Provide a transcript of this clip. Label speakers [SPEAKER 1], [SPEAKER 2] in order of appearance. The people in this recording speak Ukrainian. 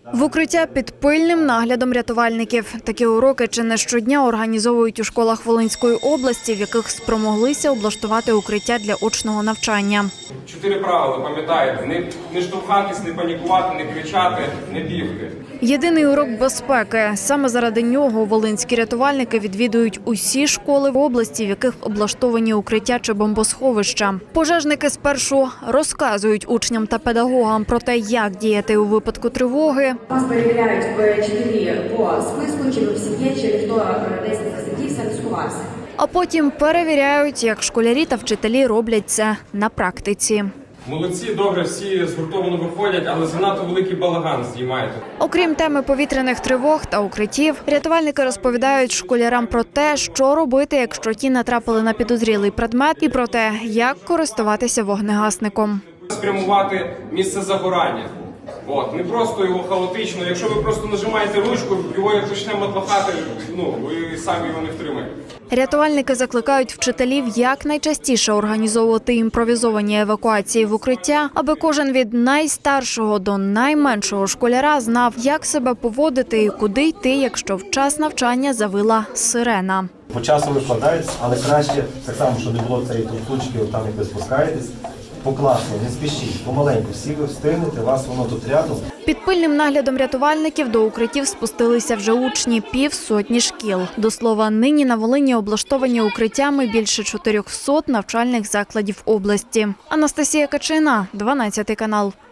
[SPEAKER 1] В укриття під пильним наглядом рятувальників. Такі уроки чи не щодня організовують у школах Волинської області, в яких спромоглися облаштувати укриття для очного навчання.
[SPEAKER 2] 4 правила, пам'ятаєте, не штовхатись, не панікувати, не кричати, не бігти.
[SPEAKER 1] Єдиний урок безпеки. Саме заради нього волинські рятувальники відвідують усі школи в області, в яких облаштовані укриття чи бомбосховища. Пожежники спершу розказують учням та педагогам про те, як діяти у випадку тривоги.
[SPEAKER 3] Вас перевіряють вчителі по списку, чи ви в сім'ї, чи ніхто десь не засидівся, не сховався.
[SPEAKER 1] А потім перевіряють, як школярі та вчителі роблять це на практиці.
[SPEAKER 2] Молодці, добре, всі згуртовано виходять, але занадто великий балаган знімаєте.
[SPEAKER 1] Окрім теми повітряних тривог та укриттів, рятувальники розповідають школярам про те, що робити, якщо ті натрапили на підозрілий предмет, і про те, як користуватися вогнегасником.
[SPEAKER 2] Спрямувати місце загорання. Не просто його хаотично. Якщо ви просто нажимаєте ручку, його як почне матлахати, ви самі його не втримаєте.
[SPEAKER 1] Рятувальники закликають вчителів якнайчастіше організовувати імпровізовані евакуації в укриття, аби кожен від найстаршого до найменшого школяра знав, як себе поводити і куди йти, якщо в час навчання завила сирена.
[SPEAKER 4] По часу викладають, але краще, так само, щоб не було цієї трусучки, там як ви спускаєтесь, покласно, не спішіть, помаленьку, всі ви встигнете, вас воно тут рядом.
[SPEAKER 1] Під пильним наглядом рятувальників до укриттів спустилися вже учні 50 шкіл. До слова, нині на Волині облаштовані укриттями більше 400 навчальних закладів області. Анастасія Качина, 12 канал.